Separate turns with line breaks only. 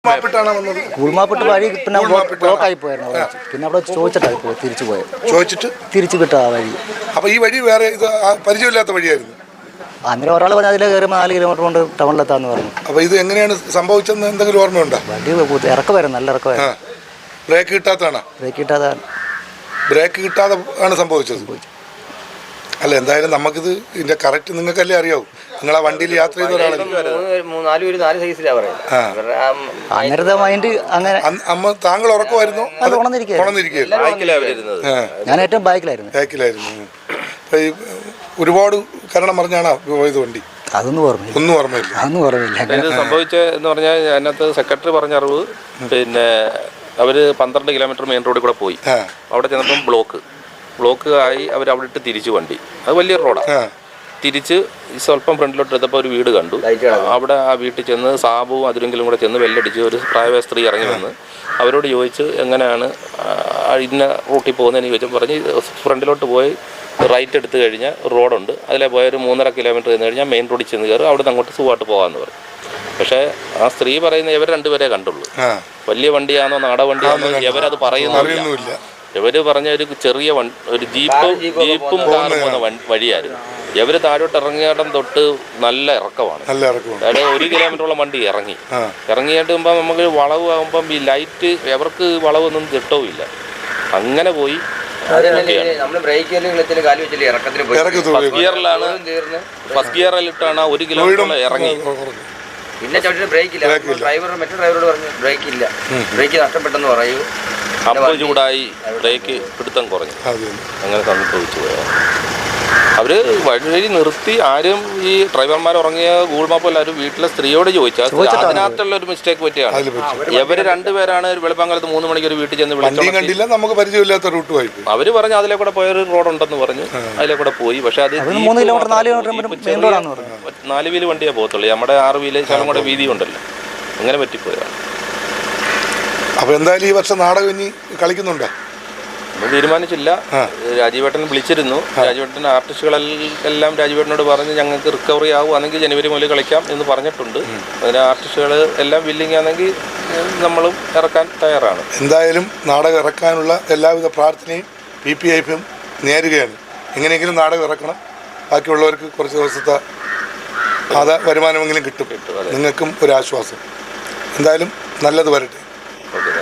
കൂൾമാപ്പിട്ട് വഴി പിന്നെ ബ്ലോക്ക് ആയി പോയിരുന്നു. പിന്നെ അവിടെ ചോദിച്ചിട്ടായി പോയി തിരിച്ചു പോയത്. തിരിച്ചു വിട്ട ആ വഴി.
അപ്പൊ ഈ വഴി വേറെ ഇത് പരിചയമില്ലാത്ത വഴിയായിരുന്നു.
അന്നേരം ഒരാൾ പറഞ്ഞാൽ അതിലെ കയറി 4 കിലോമീറ്റർ കൊണ്ട് ടൗണിലെത്താന്ന് പറഞ്ഞു.
അപ്പൊ ഇത് എങ്ങനെയാണ് സംഭവിച്ചതെന്ന് എന്തെങ്കിലും ഓർമ്മയുണ്ടോ?
വണ്ടി ഇറക്കമായിരുന്നു, നല്ല ഇറക്കമായിരുന്നു.
ബ്രേക്ക് കിട്ടാത്തതാണ്. ബ്രേക്ക് കിട്ടാതെ ആണ് സംഭവിച്ചത്. അല്ല, എന്തായാലും നമുക്കിത് ഇതിന്റെ കറക്റ്റ് നിങ്ങൾക്കല്ലേ അറിയാവൂ. നിങ്ങൾ ആ വണ്ടിയിൽ യാത്ര ചെയ്ത ഒരാളല്ലേ. അമ്മ താങ്കൾ ഉറക്കമായിരുന്നു?
ഞാൻ ഏറ്റവും ബാക്കിലായിരുന്നു.
ഒരുപാട് കാരണം പറഞ്ഞാണ് പോയത് വണ്ടി.
ഒന്നും ഓർമ്മയില്ല.
ഇത് സംഭവിച്ചെന്ന് പറഞ്ഞാൽ അതിനകത്ത് സെക്രട്ടറി പറഞ്ഞ അറിവ്, പിന്നെ അവര് 12 കിലോമീറ്റർ മെയിൻ റോഡിൽ കൂടെ പോയി. അവിടെ ചെന്നപ്പം ബ്ലോക്ക് ആയി. അവർ അവിടെ ഇട്ട് തിരിച്ചു വണ്ടി. അത് വലിയ റോഡാണ്. തിരിച്ച് സ്വല്പം ഫ്രണ്ടിലോട്ട് എടുത്തപ്പോൾ ഒരു വീട് കണ്ടു. അവിടെ ആ വീട്ടിൽ ചെന്ന് സാബുവും അതിരെങ്കിലും കൂടെ ചെന്ന് വെല്ലടിച്ച് ഒരു പ്രായമായ സ്ത്രീ ഇറങ്ങി വന്ന് അവരോട് ചോദിച്ച് എങ്ങനെയാണ് ഇന്ന റൂട്ടിൽ പോകുന്നതെന്ന് ചോദിച്ചപ്പോൾ പറഞ്ഞ് ഫ്രണ്ടിലോട്ട് പോയി റൈറ്റ് എടുത്തു കഴിഞ്ഞാൽ റോഡുണ്ട്, അതിലെ പോയൊരു 3.5 കിലോമീറ്റർ ചെന്ന് കഴിഞ്ഞാൽ മെയിൻ റോഡിൽ ചെന്ന് കയറും, അവിടെ നിന്ന് അങ്ങോട്ട് സുഖമായിട്ട് പോകാമെന്ന് പറയും. പക്ഷേ ആ സ്ത്രീ പറയുന്ന ഇവർ രണ്ടുപേരെ കണ്ടുള്ളൂ. വലിയ വണ്ടിയാണോ നാടൻ വണ്ടിയാണോ ഇവരത് പറയുന്നില്ല. ഇവർ പറഞ്ഞ ഒരു ചെറിയ ഒരു ജീപ്പും കാറും പോകുന്ന വഴിയായിരുന്നു. ഇവർ താഴോട്ട് ഇറങ്ങിയിടം തൊട്ട് നല്ല ഇറക്കമാണ്. അതായത് 1 കിലോമീറ്ററോളം വണ്ടി ഇറങ്ങിയിട്ട് നമുക്ക് വളവ് ആകുമ്പം ഈ ലൈറ്റ് അവർക്ക് വളവൊന്നും കിട്ടവുമില്ല. അങ്ങനെ പോയി ഫസ്റ്റ് ഗിയറിലിട്ടാണ് 1 കിലോമീറ്റർ ഇറങ്ങി.
പിന്നെ ബ്രേക്കില്ല. മറ്റേ ഡ്രൈവറോട് പറഞ്ഞു ബ്രേക്കില്ല, ബ്രേക്ക് നഷ്ടപ്പെട്ടെന്ന് പറയൂ.
അമ്പ് ചൂടായി ബ്രേക്ക് പിടുത്തം കുറഞ്ഞു. അങ്ങനെ സംഭവിച്ചു പോയാൽ അവര് വഴി നിർത്തി. ആരും ഈ ഡ്രൈവർമാർ ഉറങ്ങിയ ഗൂഗിൾ മാപ്പ് എല്ലാവരും വീട്ടിലെ സ്ത്രീയോട് ചോദിച്ചാൽ അതിനകത്തുള്ള ഒരു മിസ്റ്റേക്ക് പറ്റിയാണ്. ഇവര് രണ്ടുപേരാണ് വെളുപ്പാങ്കാലത്ത് 3 മണിക്ക് ഒരു വീട്ടിൽ ചെന്ന് വിളിച്ചു.
നമുക്ക് പരിചയമില്ലാത്ത റൂട്ട് പോയി.
അവര് പറഞ്ഞു അതിലെ കൂടെ പോയൊരു റോഡുണ്ടെന്ന് പറഞ്ഞു. അതിലെ കൂടെ പോയി. പക്ഷെ അത് 4 വീല് വണ്ടിയേ പോകത്തുള്ളൂ. നമ്മുടെ 6 വീല് ശകലം കൂടെ വീതി ഉണ്ടല്ലോ. അങ്ങനെ പറ്റിപ്പോയതാണ്.
അപ്പൊ എന്തായാലും ഈ വർഷം നാടകം ഇനി കളിക്കുന്നുണ്ടോ?
നമ്മൾ തീരുമാനിച്ചില്ല. രാജീവേട്ടൻ വിളിച്ചിരുന്നു. രാജീവേട്ടൻ ആർട്ടിസ്റ്റുകളെല്ലാം രാജീവേട്ടനോട് പറഞ്ഞ് ഞങ്ങൾക്ക് റിക്കവറി ആവുകയാണെങ്കിൽ ജനുവരി മുതൽ കളിക്കാം എന്ന് പറഞ്ഞിട്ടുണ്ട്. അതിന് ആർട്ടിസ്റ്റുകൾ എല്ലാം വില്ലിങ് ആണെങ്കിൽ നമ്മളും ഇറക്കാൻ തയ്യാറാണ്.
എന്തായാലും നാടകം ഇറക്കാനുള്ള എല്ലാവിധ പ്രാർത്ഥനയും PPIFും നേരുകയാണ്. എങ്ങനെയെങ്കിലും നാടകം ഇറക്കണം. ബാക്കിയുള്ളവർക്ക് കുറച്ച് ദിവസത്തെ വരുമാനമെങ്കിലും കിട്ടും. നിങ്ങൾക്കും ഒരു ആശ്വാസം. എന്തായാലും നല്ലത് വരട്ടെ.